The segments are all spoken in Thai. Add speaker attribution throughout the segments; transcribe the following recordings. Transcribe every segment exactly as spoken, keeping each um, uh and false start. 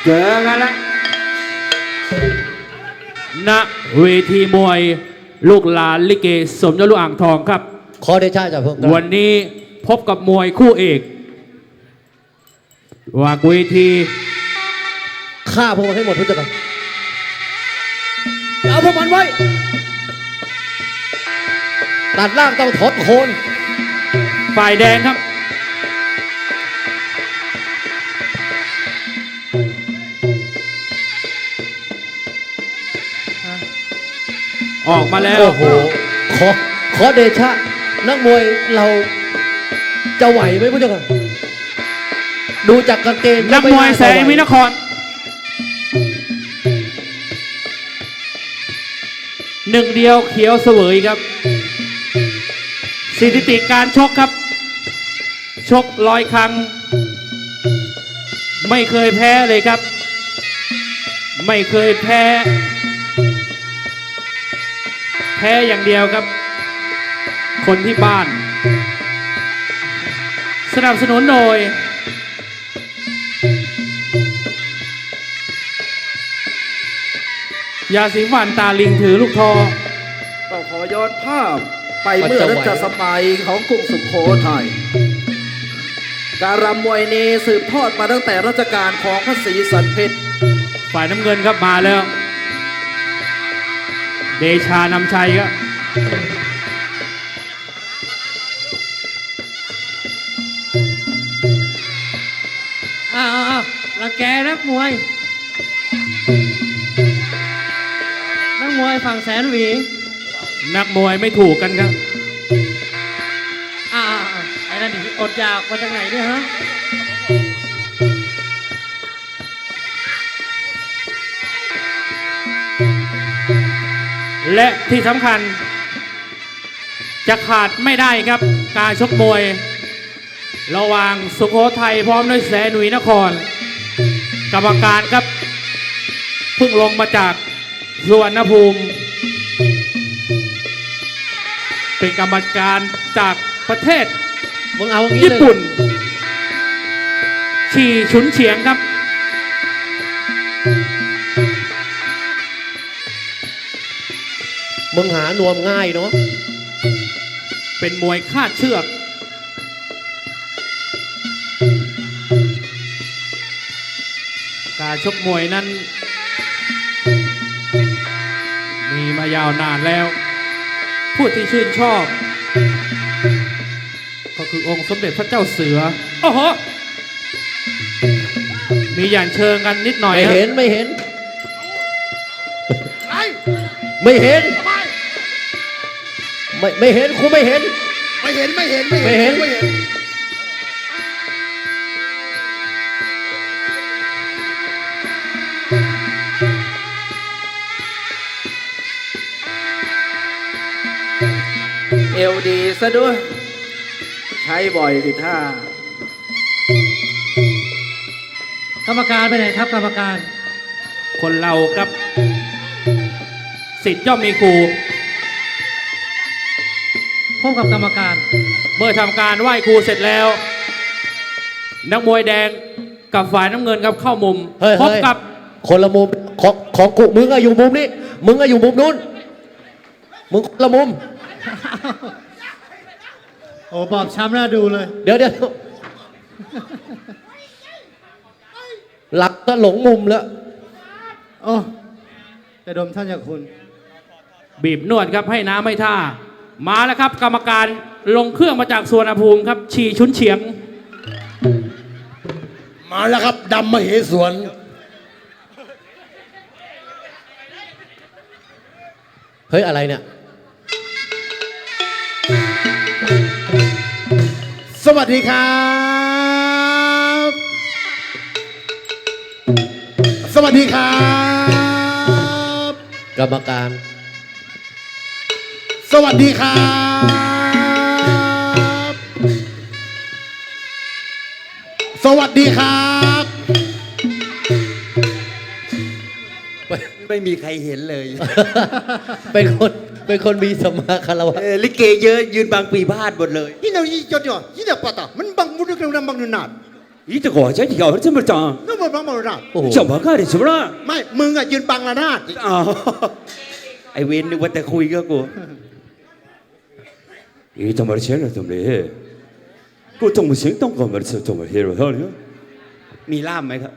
Speaker 1: เจอกันแล้วณเวทีมวยลูกหลานลิเกสมยศลูกอ่างทองครับ
Speaker 2: ขอเดชะจากพวก
Speaker 1: วันนี้พบกับมวยคู่เอกวางเวที
Speaker 2: ฆ่าพวกมันให้หมดทุกอย่างเอาพวกมันไว้ตัดล่างต้องถอดโคน
Speaker 1: ฝ่ายแดงครับออกมาแล้ว
Speaker 2: โอ้โหขอขอเดชะนักมวยเราจะไหวไหมพุทธเจ้าค่ะดูจากกางเกง
Speaker 1: นักมวยแสงวินครหนึ่งเดียวเขียวเสวยครับสถิติการชกครับชกร้อยครั้งไม่เคยแพ้เลยครับไม่เคยแพ้แพ้อย่างเดียวครับคนที่บ้านสนับสนุนโดยยาสีฟันตาลิงถือลูกทอ
Speaker 3: ต้องขอย้อนภาพไปเมื่อรัชสมัยของกรุงสุโขทัยการรำมวยนี้สืบทอดมาตั้งแต่รัชกาลของพระศรีสันเพชร
Speaker 1: ฝ่ายน้ำเงินครับมาแล้วเดชานำชัยครับ
Speaker 4: อ้าวรังแกนักมวยนักมวยฝั่งแสนหวี
Speaker 1: นักมวยไม่ถูกกันครับ
Speaker 4: อ้าวไอ้นั่นอดอยากมาจากไหนเนี่ยฮะ
Speaker 1: และที่สำคัญจะขาดไม่ได้ครับการชกมวยระหว่างสุโขทัยพร้อมด้วยแสนหวีนครกรรมการครับเพิ่งลงมาจากสุวรรณภูมิเป็นกรรมการจากประเทศญี่ปุ่นชีฉุนเฉียงครับ
Speaker 2: มึงหานวมง่ายเนาะ
Speaker 1: เป็นมวยคาดเชือกการชกมวยนั้นมีมายาวนานแล้วผู้ที่ชื่นชอบก็คือองค์สมเด็จพระเจ้าเสือโอ้โหมีอย่างเชิงกันนิดหน่อย
Speaker 2: ไม่เห็นไม่เห็นไม่เห็นไม่ไม่เห็นครูไม่เห็น
Speaker 3: ไม่เห็นไม่เห็นไม่เห็นไม่เห็นเอวดีซะด้วยใช้บ่อยสิท่าก
Speaker 4: รรมการไปไหนครับกรรมการ
Speaker 1: คนเราครับสิทธิ์ย่อมมีครู
Speaker 4: พบกับกรรมการ
Speaker 1: เมื่อทำการไหว้ครูเสร็จแล้วนักมวยแดงกับฝ่ายน้ำเงินครับเข้ามุมพบกับ
Speaker 2: คนละมุมของของกูมึงอะอยู่มุมนี้มึงอะอยู่มุมนู้นมึงคนละมุม
Speaker 4: โอ้บอบช้ำน่าดูเลย
Speaker 2: เดี๋ยวเดี๋ยวหลักก็หลงมุมแล้ว
Speaker 4: โอ้จะดมท่านจากคุณ
Speaker 1: บีบนวดครับให้น้ำให้ท่ามาแล้วครับกรรมการลงเครื่องมาจากสุวรรณภูมิครับชีชุนเฉียง
Speaker 3: มาแล้วครับดำมเหสวน
Speaker 2: เฮ้ยอะไรเนี่ย
Speaker 3: สวัสดีครับสวัสดีครับ
Speaker 2: กรรมการ
Speaker 3: สวัสดีครับสวัสดีครับ
Speaker 2: ไม่มีใครเห็นเลยเป็นคนเป็นคนมีสมาคารวะ
Speaker 3: ลิเกเยอะยืนบางปีพาดหมดเลยยี่เนายี่จดจ่อยี่เนาปะตามันบังมุดกระนำบังนุนาด
Speaker 5: 一这个这要这么长，
Speaker 6: นึกหมดบังหมดระนาด
Speaker 2: โอ้โห
Speaker 5: 怎么干的？是不是？
Speaker 6: ไม่มึงอะยืนบังระนาด
Speaker 5: 啊，ไอเวนนึกว่าแต่คุยกับกูอีทำอะไรเช่นนั้นทำไมกูต้องมาเสียงต้องก่อนมาเสียงต้องมาเฮโร่เท่านี้มีล่ามไหมครับ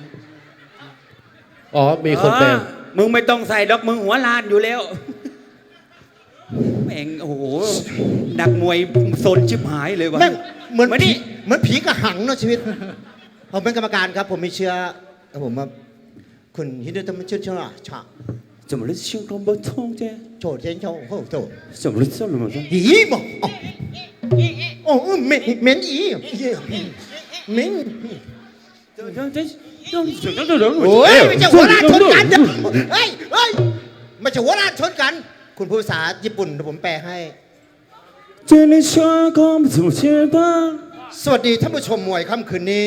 Speaker 2: อ๋อ มีคนแปล
Speaker 5: อ่ามึงไม่ต้องใส่ดอกมึงหัวลานอยู่แล้วแม่งโอ้โหดักมวยโซนชิบหายเลยวะ
Speaker 6: แม่งเหมือน
Speaker 5: มา
Speaker 6: ผี
Speaker 5: นี่
Speaker 6: เหมือนผีกระหังเนาะชีวิต ผมเป็นกรรมการครับ ผมมีเชื้อผมว่าคุณฮินดูตมันชื่อเชื่อชา
Speaker 5: 怎么了？心肝不痛的？
Speaker 6: โฉดเทียนโฉดโอ้โห
Speaker 5: 怎么了？怎么了？
Speaker 6: อีบอกโอ้โอ้เหม็นเหม็นอีเหม็นโอ้ยไม่ใช่หัวราดชนกันเดี๋ยวเฮ้ยเฮ้ยไม่ใช่หัวราดชนกัน คุณพูดภาษาญี่ปุ่นเดี๋ยวผมแปลให้
Speaker 5: 这里想看不出去吧？
Speaker 6: สวัสดีท่านผู้ชมมวยค่ำคืนนี้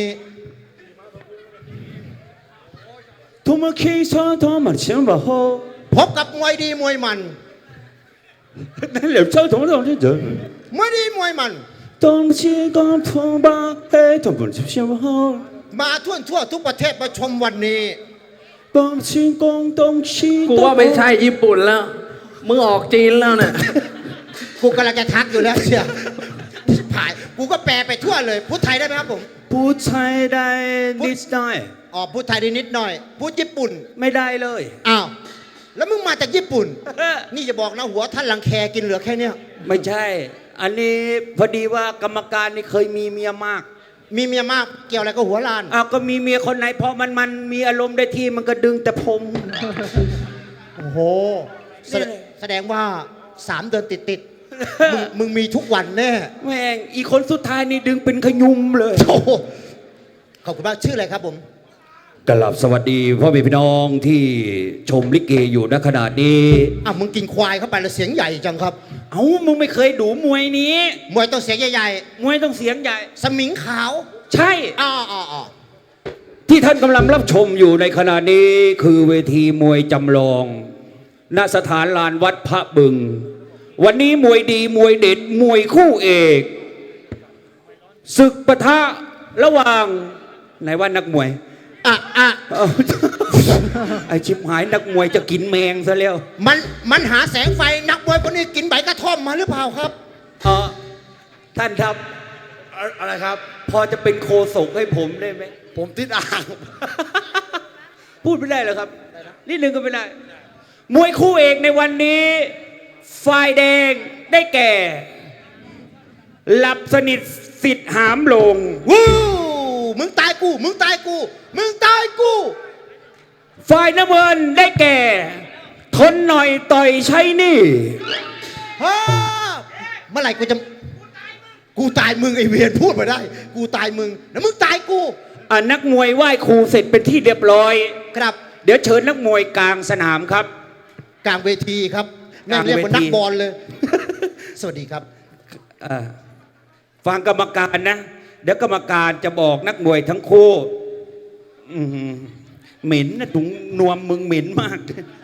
Speaker 5: 他们开车他们想不好，
Speaker 6: พบกับมวยดีมวยมัน
Speaker 5: 那两车同同的人，
Speaker 6: มวยดีมวยมัน
Speaker 5: 当起刚通吧，嘿，他们就想不好，
Speaker 6: มาทั่วทั่วทุกประเทศมาชมวันนี้
Speaker 5: 当起广东起
Speaker 3: กูว่าไม่ใช่ญี่ปุ่นแล้ว มึงออกจีนแล้วเนี่ย
Speaker 6: กูกำลังจะทักอยู่แล้วเชียวผ่านกูก็แปลไปทั่วเลย พูดไทยได้ไหมครับผม
Speaker 5: 不猜ได้นิดหน่อย
Speaker 6: อ๋อพูดไทยได้นิดหน่อย พูดญี่ปุ่น
Speaker 5: ไม่ได้เลย
Speaker 6: อ้าว แล้วมึงมาจากญี่ปุ่น นี่จะบอกนะหัวท่านลังแคกินเหลือแค่เนี้ย
Speaker 5: ไม่ใช่ อันนี้พอดีว่ากรรมการนี่เคยมีเมียมาก
Speaker 6: มีเมียมากเกี่ยวอะไรกับหัวลาน
Speaker 5: อ้าวก็มีเมียคนไหนพอมันมันมีอารมณ์ได้ที่มันก็ดึงแต่ผม
Speaker 6: โอ้โห แสดงแสดงว่าสามเดือนติดติดๆมึงมึงมีทุกวันแน่
Speaker 5: แม่งอีกคนสุดท้ายนี่ดึงเป็นขยุมเลย
Speaker 6: โอ้โหขอบคุณมากชื่ออะไรครับผม
Speaker 5: กลับสวัสดีพ่อแม่พี่น้องที่ชมลิเกอยู่ณขณะนี้
Speaker 6: อ่ะมึงกินควายเข้าไปแล้วเสียงใหญ่จังครับ
Speaker 5: เอ้ามึงไม่เคยดูมวยนี้
Speaker 6: มวยต้องเสียงใหญ่
Speaker 5: มวยต้องเสียงใหญ่
Speaker 6: ๆ สมิงขาว
Speaker 5: ใช่
Speaker 6: อ๋ออ๋ออ๋อ
Speaker 5: ที่ท่านกำลังรับชมอยู่ในขณะนี้คือเวทีมวยจำลอง ณสถานลานวัดพระบึง วันนี้มวยดีมวยเด็ดมวยคู่เอกศึกปะทะระหว่างไหนว่านักมวย
Speaker 6: อ่ะอ่ะ
Speaker 5: เอ้า ไอชิบหายนักมวยจะกินแมงซะแล้ว
Speaker 6: มันมันหาแสงไฟนักมวยคนนี้กินใบกระท่อมมาหรือเปล่าครับ
Speaker 5: เออท่านครับ
Speaker 2: อะไรครับ
Speaker 5: พอจะเป็นโคศกให้ผมได้ไหม
Speaker 2: ผมติดอ่าง
Speaker 5: พูดไม่ได้เหรอครับนิดนึงก็ไม่ได้ มวยคู่เอกในวันนี้ ฝ่ายแดงได้แก่ หลับสนิทสิทธิ์หามลง
Speaker 6: วู้มึงตายกู มึงตายกู มึงตายกู
Speaker 5: ฝ่ายน้ำเงินได้แก่ ทนหน่อยต่อยใช้หนี่
Speaker 6: ฮ่าเมื่อไหร่กูจะ กูตายมึงไอเวียนพูดมาได้ กูตายมึง แล้วมึงตายกู
Speaker 5: อ่ะนักมวยไหว้ครูเสร็จเป็นที่เรียบร้อย
Speaker 6: ครับ
Speaker 5: เดี๋ยวเชิญนักมวยกลางสนามครับ
Speaker 6: กลางเวทีครับแม่งเรียกเหมือนนักบอลเลย สวัสดีครับ
Speaker 5: อ่าฟังกรรมการนะ เดี๋ยวกรรมการจะบอกนักมวยทั้งคู่อื้อหือเหม็นนะถุงนวมมึงเหม็นมาก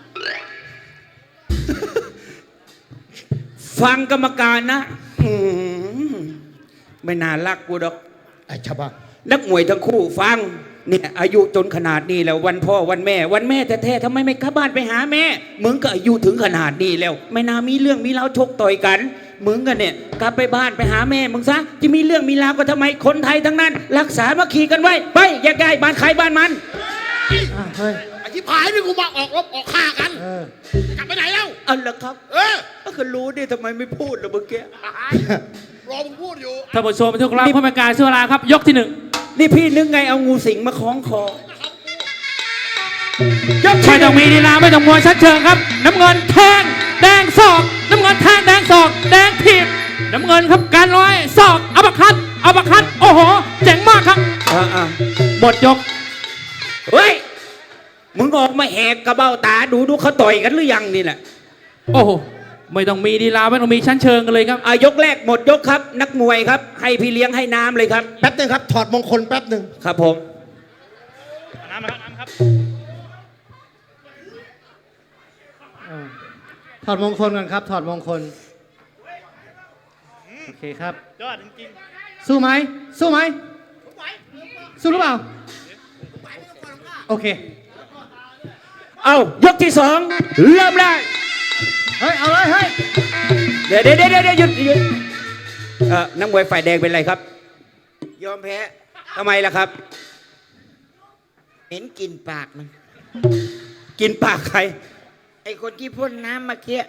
Speaker 5: ฟังกรรมการนะอื้อหือไม่น่ารักกูดอก
Speaker 6: ไอ้ชาวบ้าน
Speaker 5: นักมวยทั้งคู่ฟังเนี่ยอายุจนขนาดนี้แล้ววันพ่อวันแม่ วันแม่แท้ๆทำไมไม่กลับบ้านไปหาแม่มึงก็อายุถึงขนาดนี้แล้ว ไม่น่ามีเรื่องมีราวชกต่อยกันมึงกันเนี่ยกลับไปบ้านไปหาแม่มึงซะจะมีเรื่องมีราวก็ทำไมคนไทยทั้งนั้น รักษามาขี่กันไว้ไปแยกย้ายบ้านใครบ้านมัน
Speaker 4: อ่ะเฮ้ย
Speaker 2: ไอ้ที่ผายนี่กูมาออกรบออกฆ่ากัน
Speaker 4: เออ
Speaker 2: กลับไปไหนแล้ว
Speaker 5: อันละครับ
Speaker 2: เออ
Speaker 5: ก็รู้ดิทำไมไม่พูดล่ะเมื่อกี้
Speaker 2: รอมึงพูดอยู่
Speaker 1: ท่านผู้ชมทุกท่านผู้เป็นการเชื่อลาครับ ยกที่หนึ่ง
Speaker 5: นี่พี่นึกไงเอางูสิงมาคล้องคอ
Speaker 1: ยกไม่ต้องมีดีลาไม่ต้องมวยชัดเชิงครับ น้ำเงินแทงแดงศอก น้ำเงินแทงแดงศอก แดงถีบน้ำเงินครับการร้อยศอกอัปคัตอัปคัตโอ้โหเจ๋งมากครับ
Speaker 5: อ่าอ่า
Speaker 1: หมดยก
Speaker 5: เฮ้ยมึงออกมาแหกกระเบ้าตาดูดูเขาต่อยกันหรือยังนี่แหละ
Speaker 1: โอ้โหไม่ต้องมีดีลาไม่ต้องมีชั้นเชิงกันเลยครับ
Speaker 5: อายกแรกหมดยกครับ นักมวยครับ ให้พี่เลี้ยงให้น้ำเลยครับ
Speaker 6: แป๊บหนึงครับ ถอดมงคลแป๊บหนึ่ง
Speaker 5: ครับผม
Speaker 4: เออถอดมงคลกันครับ ถอดมงคล โอเคครับ ยอดจริงๆ สู้ไหม สู้ไหมสู้หรือเปล่า โอเค
Speaker 5: เอายกที่สองเริ่มได้
Speaker 4: เฮ้ย เอาเลย เฮ้ย
Speaker 5: เดี๋ยวเดี๋ยวเดี๋ยวเดี๋ยวหยุดหยุดเออนักมวยฝ่ายแดงเป็นไรครับ
Speaker 6: ยอมแพ้
Speaker 5: ทำไมล่ะครับ
Speaker 6: เห็นกลินปากมัน
Speaker 5: กินปากใคร
Speaker 6: ไอคนที่พ่นน้ำเมื่อกี้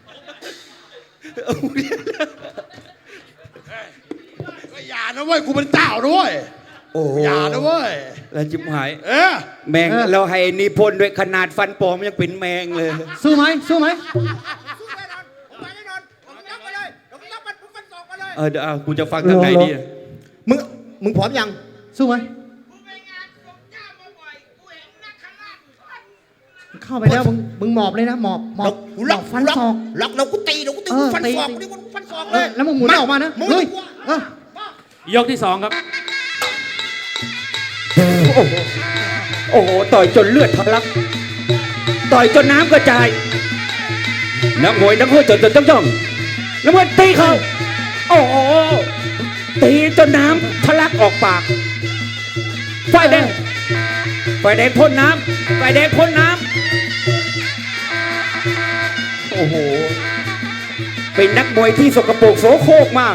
Speaker 7: อย่านะเว้ย กูเป็นเจ้าด้วย
Speaker 5: โอ้โห
Speaker 7: อย่านะเว้ย
Speaker 5: แล้วจิบหาย
Speaker 7: เออ
Speaker 5: แมง
Speaker 4: เออ
Speaker 5: เราให้นิพนธ์ด้วยขนาดฟันปลอมยังเป็นแมงเลย
Speaker 4: สู้ไหม สู้ไหม
Speaker 5: เออเดี๋ยวเอากูจะฟังทางไหนดี
Speaker 6: มึง มึงพร้อมยัง
Speaker 4: สู้ไหมเข้าไปแล้ว มึง มึงหมอบเลยนะ หมอบ หมอบ
Speaker 6: กู
Speaker 4: หม
Speaker 6: ล็อ
Speaker 4: อก บฟันศอก
Speaker 6: ล็อกเรากูตีเรากูตี
Speaker 4: เอ
Speaker 6: กู
Speaker 4: อ
Speaker 6: ฟัน
Speaker 4: ตี
Speaker 6: ศอกกูนี่กูฟันศอก
Speaker 4: เอ
Speaker 6: เล
Speaker 4: อย แล้วมึงหมุนออกมานะ
Speaker 6: มึง
Speaker 4: เฮ้ย
Speaker 6: กู
Speaker 4: เออย
Speaker 1: กที่สองครับ
Speaker 5: โอ้โห ต่อยจนเลือดทะลัก ต่อยจนน้ำกระจาย นักมวยนักมวยจนจนจ้องจ้องนักมวยตีเขาโอ้โห ตีจนน้ำทะลักออกปาก ฝ่ายแดง ฝ่ายแดงพ่นน้ำ ฝ่ายแดงพ่นน้ำ โอ้โห เป็นนักมวยที่สกปรกโสโครกมาก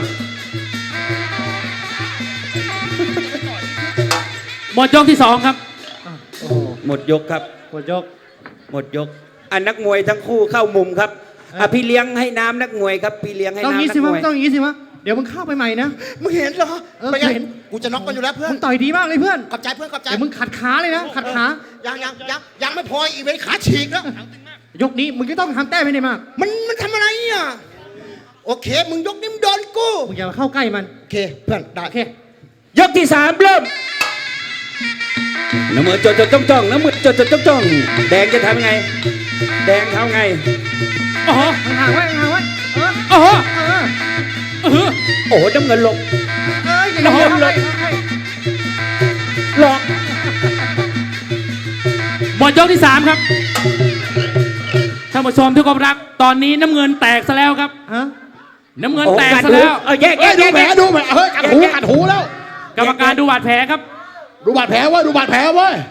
Speaker 1: หมดยกที่สองครับ
Speaker 4: โอ้โห
Speaker 5: หมดยกครับ
Speaker 4: หมดยก
Speaker 5: หมดยก อันนักมวยทั้งคู่เข้ามุมครับอ่ะพี่เลี้ยงให้น้ำนักมวยครับ พี่เลี้ยงให้
Speaker 4: ต้อง
Speaker 5: น้ำ
Speaker 4: งี้
Speaker 5: นั
Speaker 4: สิ
Speaker 5: ก
Speaker 4: มะ
Speaker 5: มวย
Speaker 4: ต้องงี้สิมะเดี๋ยวมึงเข้าไปใหม่นะ
Speaker 6: มึงเห็นเหรอ
Speaker 4: เออ
Speaker 6: ไปไง
Speaker 4: เห็น
Speaker 6: กูจะน็อกกันอยู่แล้วเพื่อน
Speaker 4: มึงต่อยดีมากเลยเพื่อน
Speaker 6: ขอบใจเพื่อนขอบใจ
Speaker 4: เดี๋ยวมึงขัดขาเลยนะ ขัดขา
Speaker 6: ยังยังยังยังไม่พออีกเป็นขาฉีกแล้ว
Speaker 4: ยกนี้มึงก็ต้องทำแต้มให้ได้มาก
Speaker 6: มันมันทำอะไรอ่ะ โอเค มึงยกนิ้มโดนกู
Speaker 4: มึงอย่ามาเข้าใกล้มัน
Speaker 6: โอเค เพื่อนได้
Speaker 4: โอเค
Speaker 5: ยกที่สามเริ่มน้ำมือจดจดจ้องจ้องน้ำมือจดจดจ้องจ้องแดงจะทำไง แดงทำไง
Speaker 1: โอ้โห
Speaker 4: ห่างๆไว้ห่างๆไว้ เออ
Speaker 1: โอ้โห
Speaker 4: เออ
Speaker 1: เออ
Speaker 5: โอ้โหน้ำเงินหลบ
Speaker 4: เอออย่าอย่าเข้าใกล้เข้าใกล้
Speaker 5: หลอก
Speaker 1: หมดยกที่สามครับท่านผู้ชมที่เคารพรัก ตอนนี้น้ำเงินแตกซะแล้วครับ
Speaker 4: ฮะ
Speaker 1: น้ำเงิน
Speaker 5: โอ้
Speaker 1: แตก
Speaker 5: กัด
Speaker 1: ซะ
Speaker 5: หู
Speaker 1: แล้ว
Speaker 5: เออแยกแย
Speaker 7: เฮ้ย
Speaker 5: ก
Speaker 7: ดู
Speaker 5: แยก
Speaker 7: แผล
Speaker 5: แยก
Speaker 7: ดูแผลเฮ้ยกัดหูกัดหูแล้ว
Speaker 1: กรรมการดูบาดแผลครับ
Speaker 7: ดูบาดแผลเว้ย ดูบาดแผลเว้ย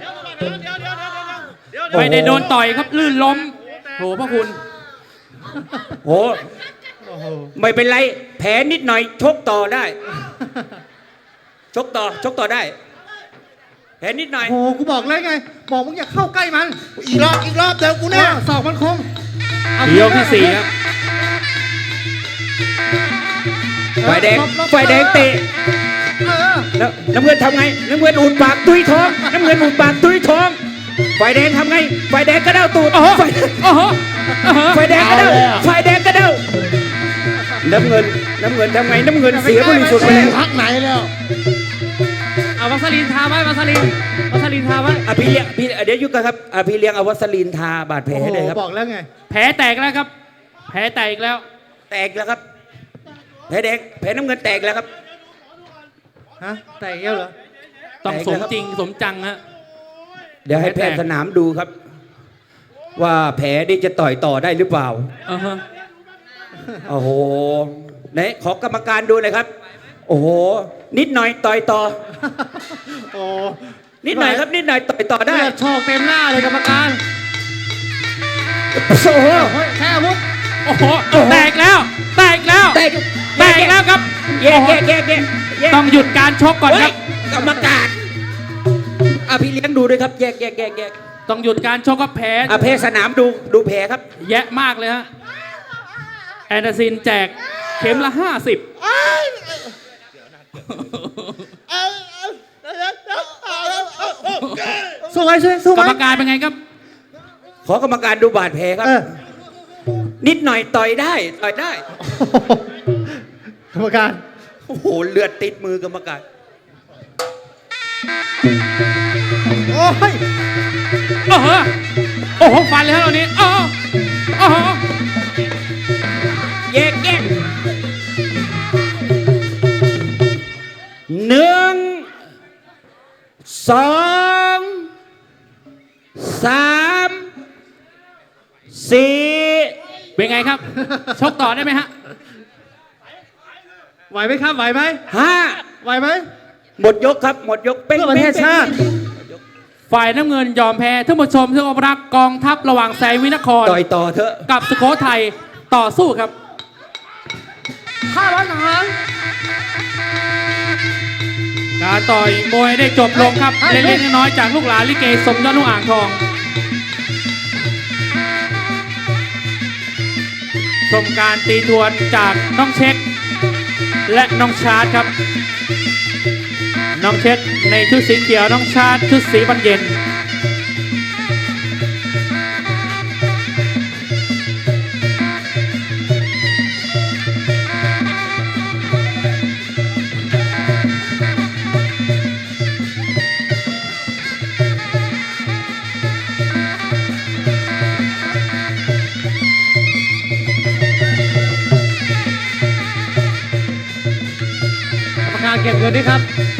Speaker 1: ไม่ได้โดนต่อยครับ ลื่นล้มโหพระคุณ
Speaker 5: โอ้ไม่เป็นไร แผลนิดหน่อย ชกต่อได้ ชกต่อ ชกต่อได้ แผลนิดหน่อย
Speaker 4: โอ้โหกูบอกเลยไง บอกมึงอย่าเข้าใกล้มัน
Speaker 6: อีกรอบอีกรอบเดี๋ยวกู
Speaker 4: เอ
Speaker 6: เนี่ย
Speaker 4: อศอกมันคมเอา
Speaker 1: ยกที่สี่ครับ
Speaker 5: ฝ่ายแดง
Speaker 4: หลบหลบ
Speaker 5: ฝ่ายแดงเตะ
Speaker 4: เออ
Speaker 5: แล้วน้ำเงินทำไง น้ำเงินอุดปากตุ้ยท้อง น้ำเงินอุดปากตุ้ยท้อง ฝ่ายแดงทำไง ฝ่ายแดงกระเด้าตูด
Speaker 1: โอ้โห
Speaker 5: ฝ่าย
Speaker 1: โอ้โหโอ้โห
Speaker 5: ฝ่ายแดงกระเด้า
Speaker 7: เอาแล้ว
Speaker 5: ฝ่ายแดงกระเด้าน้ำเงิน น้ำเงินทำไง น้ำเงินเสียบริสุทธิ์ไป
Speaker 7: แม่
Speaker 5: แล้
Speaker 7: ง
Speaker 5: ว
Speaker 7: พักไหนแล้ว
Speaker 4: เอาวัสลีนทาไว้วัสลีนวัสลีนทาไว้
Speaker 5: อ่ะพี่เลี้ยงพี่เดี๋ยวยุกกันครับอ่ะพี่เลี้ยงเอาวัสลีนทาบาดแผล
Speaker 4: โอ้
Speaker 5: ให้
Speaker 4: โห
Speaker 5: เลยครับ
Speaker 4: บอกแล้วไง
Speaker 1: แผลแตกแล้วครับ แผลแตกอีกแล้ว
Speaker 5: แตกแล้วครับ แผลแดง แผลน้ำเงินแตกแล้วครับ
Speaker 4: ฮะ แต่เกี้ยวเหรอ
Speaker 1: ต้อง
Speaker 5: แตก
Speaker 1: ส
Speaker 5: แล้
Speaker 1: ม
Speaker 5: วครับ
Speaker 1: จริงสมจังฮะ
Speaker 5: เดี๋ยวให้แพทย์สนามดูครับ ว่าแผลนี่จะต่อยต่อได้หรือเปล่า
Speaker 1: อ่าฮะ
Speaker 5: โอ้โหไหนขอกรรมการดูหน่อยครับ โอ้โห นิดหน่อยต่อยต่อ
Speaker 4: โอ้
Speaker 5: นิดหน่อยครับ นิดหน่อยต่อยต่อได้
Speaker 4: เลือดโชกเต็มหน้าเลยกรรมการ
Speaker 5: โอ้โห
Speaker 4: เฮ้ยแค่อาวุธ
Speaker 1: โอ้โห แตกแล้ว แตกแล้ว
Speaker 5: แตก
Speaker 1: แตกแล้วครับ
Speaker 5: แยกแยกแยกแยกแยก
Speaker 1: ต้องหยุดการชกก่อน
Speaker 5: เฮ้
Speaker 1: ครั
Speaker 5: ย
Speaker 1: บ
Speaker 5: กรรมการอ่ะพี่เลี้ยงดูด้วยครับ แยกแยกแยกแยก
Speaker 1: ต้องหยุดการชกครับแผล
Speaker 5: อ่ะแพทย์สนามดูดูแผลครับ
Speaker 1: แยะมากเลยฮะ แอนเดอร์ซินแจกเข็มละห้าสิบ
Speaker 4: สู้ไหมสู้สู้ไห
Speaker 1: ก
Speaker 4: ม
Speaker 1: รรมการเป็นไงครับ
Speaker 5: ขอกรรมการดูบาดแผลครับ
Speaker 4: เออ
Speaker 5: นิดหน่อยต่อยได้ ต่อยได้
Speaker 4: กรรมการ
Speaker 5: โอ้โห เลือดติดมือกรรมการ
Speaker 4: โอ้ย
Speaker 1: โอ้โห โอ้โห ฟันเลยฮะตอนนี้ โอ้โหโอ้โห
Speaker 5: แยกแยกหนึ่งสองสามสี่
Speaker 1: เป็นไงครับ ชกต่อได้ไหมฮะ
Speaker 4: ไหวไหมครับ ไหวไหม
Speaker 5: ห้า
Speaker 4: ไหวไหม
Speaker 5: หมดยกครับ หมดยกเป็น
Speaker 6: เพื่อประเทศชาติ
Speaker 1: ฝ่ายน้ำเงินยอมแพ้ท่านผู้ชมที่เคารพรักกองทัพระหว่างแสงวินคร
Speaker 5: ต่อยต่อเถอะ
Speaker 1: กับสุโขทัยต่อสู้ครับ
Speaker 4: ข้าร้อนหาง
Speaker 1: การต่อยมวยได้จบลงครับ เล็กๆน้อยๆจากลูกหลานลิเกสมยศลูกอ่างทองชมการตีทวนจากน้องเช็ค และน้องชาร์ตครับ น้องเช็คในชุดสีเขียวน้องชาร์ตชุดสีบรรเย็น
Speaker 4: กรรมการเก็บเงินด้วยครับ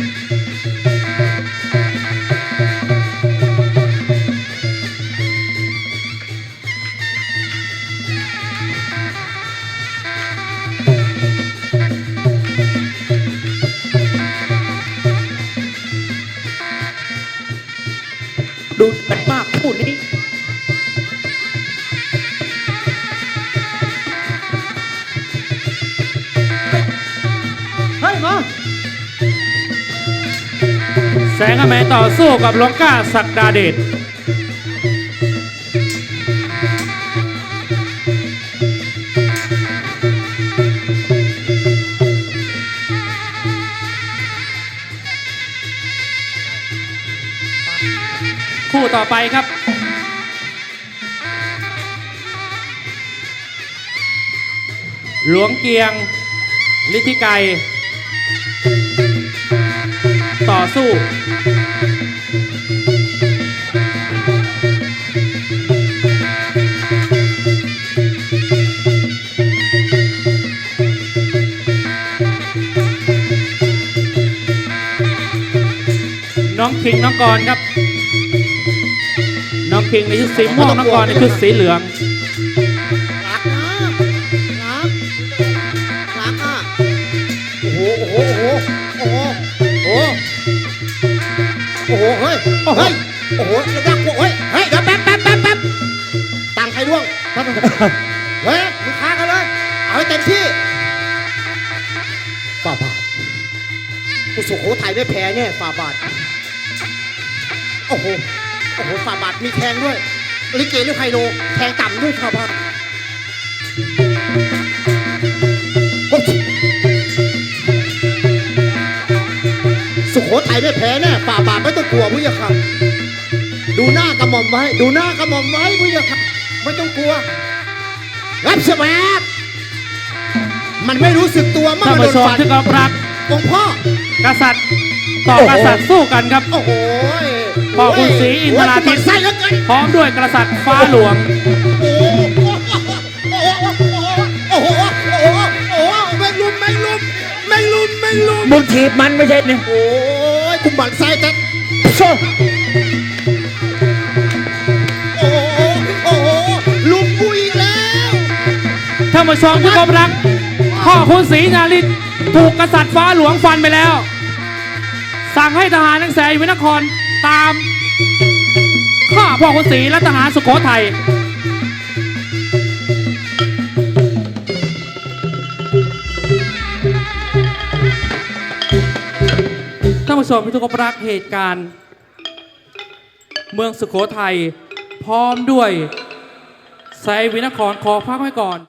Speaker 5: ดูกันมากคู่นี้
Speaker 4: เฮ้ยมา
Speaker 1: แสงอแมนต่อสู้กับหลวงก้าศักดาเดชคู่ต่อไปครับ หลวงเกียงฤทธิไกรต่อสู้น้องคิงน้องกรครับ น้องคิงในชุดสีม่วงน้องกรในชุดสีเหลือง
Speaker 6: รักนะรักรักอ่ะโอ้โหโอ้โหโอ้โหโอ้โหโอ้โหเฮ้ยเฮ้ยโอ้โหระดับเฮ้ยเฮ้ยเดี๋ยวแป๊บแป๊บแป๊บแป๊บตังค์ใครร่วงเฮ้ยมึงค้ากันเลยเอาให้เต็มที่ฝ่าบาทกูสุโขทัยไม่แพ้แน่ฝ่าบาทโอ้โหโอ้โหฝ่าบาทมีแทงด้วยลิเกหรือไฮโลแทงต่ำด้วยฝ่าบาท สุโขทัยไม่แพ้แน่ฝ่าบาทไม่ต้องกลัวพุทธค่ะดูหน้ากระหม่อมไว้ ดูหน้ากระหม่อมไว้พุทธค่ะไม่ต้องกลัวรับเสแบกมันไม่รู้สึกตัวเมื่อ
Speaker 1: ท่าน
Speaker 6: มันโด
Speaker 1: ผู้
Speaker 6: น
Speaker 1: ชม
Speaker 6: ฟัน
Speaker 1: ที่เคารพรัก
Speaker 6: องค์พ่อก
Speaker 1: ษัตริย์ต่อกษัตริย์สู้กันครับ
Speaker 6: โอ้โห
Speaker 1: พ่อคุณศรีอินทราทิตย์
Speaker 6: โอ้ยกูหมั่นไส้แล้วเกิน
Speaker 1: พร้อมด้วยกษัตริย์ฟ้าหลวง
Speaker 6: โอ้โหโอ้โหโอ้โหโอ้โหโอ้โหไม่ลุมไม่ลุมไม่ลุมไม่ลุม
Speaker 5: มึงถีบมันไม่ใช่เนี่ย
Speaker 6: โอ้ยกูหมั่นไส้แต่โซ่โอ้โหโอ้โหลุมกูอีกแล้ว
Speaker 1: ท่านผู้ชมที่เคารพรัก พ่อคุณศรีนาริศถูกกษัตริย์ฟ้าหลวงฟันไปแล้ว สั่งให้ทหารทั้งแสนวินครตามฆ่าพ่อคุณศรีและทหารสุโขทัยท่านผู้ชมที่ทุกคนรักเหตุการณ์ เมืองสุโขทัยพร้อมด้วยแสนวินครขอพักไว้ก่อน